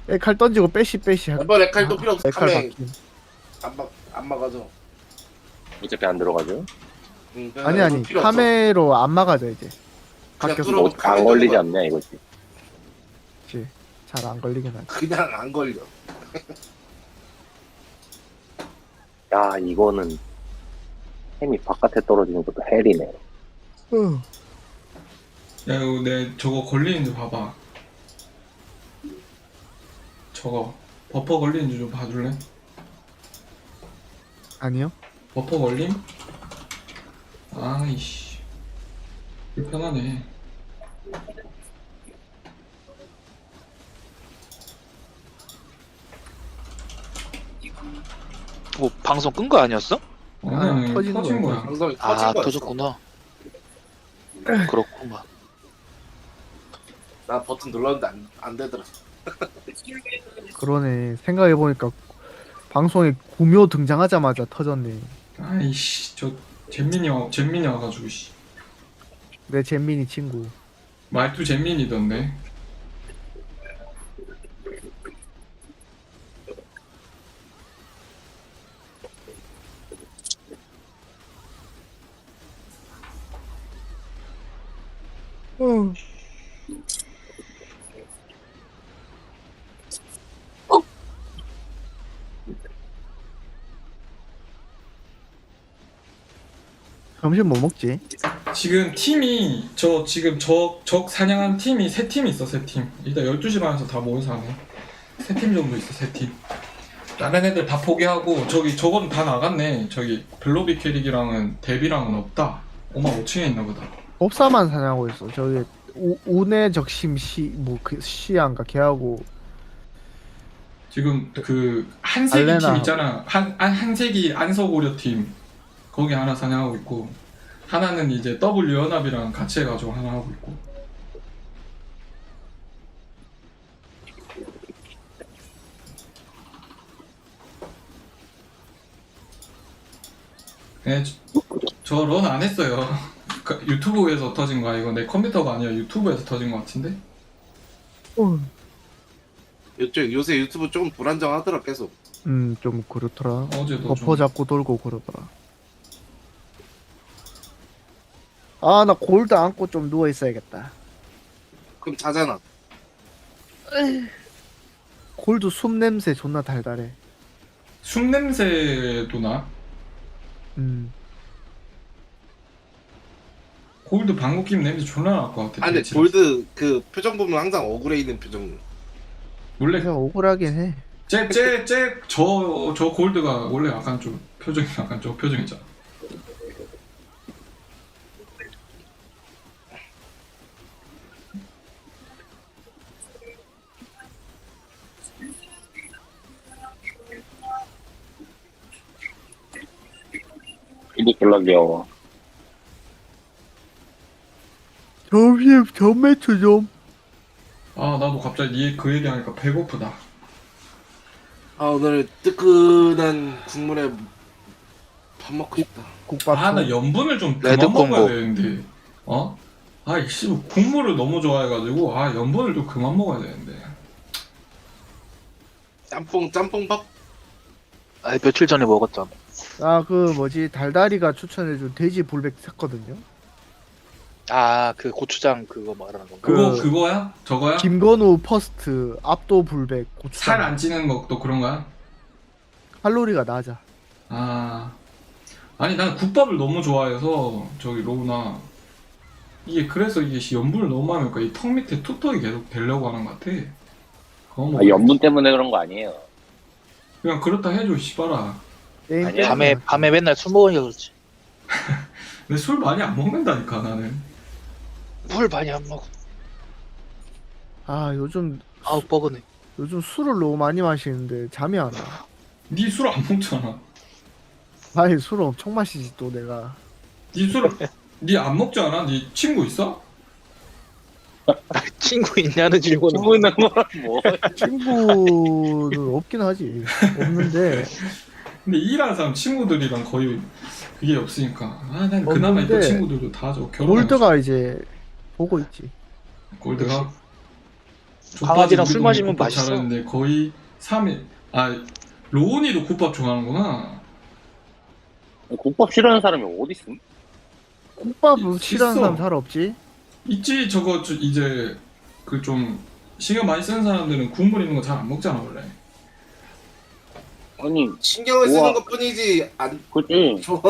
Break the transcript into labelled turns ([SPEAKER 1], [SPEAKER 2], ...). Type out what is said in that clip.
[SPEAKER 1] 칼 던지고 빼시
[SPEAKER 2] 이번에 칼도 필요 없어.
[SPEAKER 1] 칼
[SPEAKER 2] 카메
[SPEAKER 1] 바뀐.
[SPEAKER 2] 안 막아줘.
[SPEAKER 3] 어차피 안 들어가죠.
[SPEAKER 1] 아니 카메로 안 막아져 이제.
[SPEAKER 2] 그냥
[SPEAKER 1] 바뀌었어.
[SPEAKER 2] 뚫어.
[SPEAKER 3] 뭐, 안 걸리지 않냐 이거지.
[SPEAKER 1] 잘 안 걸리긴 하지.
[SPEAKER 2] 그냥 안 걸려.
[SPEAKER 3] 야 이거는 햄이 바깥에 떨어지는 것도 헬이네.
[SPEAKER 4] 야 이거 내 저거 걸리는지 봐봐. 저거 버퍼 걸리는지 좀 봐줄래?
[SPEAKER 1] 아니요.
[SPEAKER 4] 버퍼 걸림? 아이씨 불편하네.
[SPEAKER 5] 뭐 방송 끈 거 아니었어?
[SPEAKER 4] 아니
[SPEAKER 1] 터지는
[SPEAKER 4] 터진
[SPEAKER 1] 거야.
[SPEAKER 4] 거야.
[SPEAKER 2] 방송이 터진
[SPEAKER 5] 아
[SPEAKER 2] 거였어.
[SPEAKER 5] 터졌구나. 그렇구만.
[SPEAKER 2] 나 버튼 눌렀는데 안 되더라.
[SPEAKER 1] 그러네. 생각해 보니까 방송에 구묘 등장하자마자 터졌네.
[SPEAKER 4] 아이씨 저 잼민이 와가지고 씨
[SPEAKER 1] 내 잼민이 친구.
[SPEAKER 4] 말투 잼민이던데.
[SPEAKER 1] 점심 뭐 먹지?
[SPEAKER 4] 지금 팀이 지금 적 사냥한 팀이 3팀 있어. 3팀 일단 12시 반에서 다 모여서 하네. 3팀 정도 있어. 3팀 다른 애들 다 포기하고 저건 다 나갔네. 저기 블로비 캐릭이랑은 데비랑은 없다. 55층에 있나 보다.
[SPEAKER 1] 법사만 사냥하고 있어. 저기 운의 적심 그 시안가 걔하고
[SPEAKER 4] 지금 그 한세기 팀
[SPEAKER 1] 알레나.
[SPEAKER 4] 있잖아. 한세기 안서고려 팀 거기 하나 사냥하고 있고, 하나는 이제 W 연합이랑 같이 해가지고 하나 하고 있고. 네, 저 런 안 했어요. 유튜브에서 터진 거야. 이거 내 컴퓨터가 아니라 유튜브에서 터진 거 같은데?
[SPEAKER 2] 요새 유튜브 좀 불안정하더라 계속.
[SPEAKER 1] 좀 그렇더라.
[SPEAKER 4] 어제도
[SPEAKER 1] 버퍼 잡고 돌고 그러더라. 아, 나 골드 안고 좀 누워 있어야겠다.
[SPEAKER 2] 그럼 자잖아.
[SPEAKER 1] 골드 숨 냄새 존나 달달해.
[SPEAKER 4] 숨 냄새도 나? 골드 방구 끼면 냄새 존나 날 것 같아.
[SPEAKER 2] 아니 근데
[SPEAKER 4] 대체.
[SPEAKER 2] 골드 그 표정 보면 항상 억울해 있는 표정.
[SPEAKER 4] 원래
[SPEAKER 1] 그냥 억울하긴 해.
[SPEAKER 4] 저 골드가 원래 약간 좀 표정이 약간 저 표정이잖아.
[SPEAKER 3] 이게 졸라 귀여워.
[SPEAKER 1] 점심 전매추 좀.
[SPEAKER 4] 아 나도 갑자기 그 얘기하니까 배고프다.
[SPEAKER 2] 아 오늘 뜨끈한 국물에 밥 먹고 싶다.
[SPEAKER 1] 국밥.
[SPEAKER 4] 아 나 염분을 좀
[SPEAKER 5] 레드
[SPEAKER 4] 그만 먹어야
[SPEAKER 5] 콤보.
[SPEAKER 4] 되는데. 어? 아이씨 국물을 너무 좋아해가지고 염분을 좀 그만 먹어야 되는데.
[SPEAKER 2] 짬뽕밥?
[SPEAKER 5] 아 며칠 전에 먹었잖아.
[SPEAKER 1] 그 뭐지 달다리가 추천해준 돼지 불백 샀거든요.
[SPEAKER 5] 아 그 고추장 그거 말하는 건가?
[SPEAKER 4] 그거야? 저거야?
[SPEAKER 1] 김건우 퍼스트 압도 불백 고추장.
[SPEAKER 4] 살 안 찌는 것도 그런 거야?
[SPEAKER 1] 칼로리가 낮아.
[SPEAKER 4] 아니 난 국밥을 너무 좋아해서 저기 로우나 그래서 염분을 너무 많이 먹으니까 이 턱 밑에 투턱이 계속 되려고 하는 것 같아. 그거 뭐
[SPEAKER 3] 염분 때문에 그런 거 아니에요.
[SPEAKER 4] 그냥 그렇다 해줘 씨발아.
[SPEAKER 1] 게임
[SPEAKER 3] 아니야.
[SPEAKER 1] 때문에.
[SPEAKER 5] 밤에 맨날 술 먹으니까 그렇지.
[SPEAKER 4] 근데 술 많이 안 먹는다니까 나는.
[SPEAKER 5] 물 많이 안 먹어.
[SPEAKER 1] 요즘
[SPEAKER 5] 아우 뻐근해.
[SPEAKER 1] 술을 너무 많이 마시는데 잠이 안 와.
[SPEAKER 4] 니 술 안 먹잖아.
[SPEAKER 1] 아니 술을 엄청 마시지 또 내가.
[SPEAKER 4] 니 안 먹지 않아? 니 친구 있어?
[SPEAKER 5] 친구 있냐는 질문은.
[SPEAKER 3] 친구 있는 거랑 뭐.
[SPEAKER 1] 친구는 없긴 하지. 없는데
[SPEAKER 4] 근데 일하는 사람 친구들이랑 거의 그게 없으니까. 난 그나마 있던
[SPEAKER 1] 없는데
[SPEAKER 4] 친구들도 다 저 결혼해.
[SPEAKER 1] 골드가 이제 보고 있지.
[SPEAKER 4] 골드가?
[SPEAKER 5] 강아지랑 술 마시면
[SPEAKER 4] 국밥
[SPEAKER 5] 맛있어.
[SPEAKER 4] 잘하는데 거의 3일. 아 로운이도 국밥 좋아하는구나.
[SPEAKER 3] 국밥 싫어하는 사람이 어디 있음?
[SPEAKER 1] 국밥 싫어하는
[SPEAKER 4] 있어.
[SPEAKER 1] 사람 잘 없지?
[SPEAKER 4] 있지 저거 이제 그 좀 신경 많이 쓰는 사람들은 국물 있는 거 잘 안 먹잖아 원래.
[SPEAKER 3] 아니
[SPEAKER 2] 신경을 쓰는
[SPEAKER 3] 우와.
[SPEAKER 2] 것 뿐이지 안
[SPEAKER 3] 그치.
[SPEAKER 2] 좋아.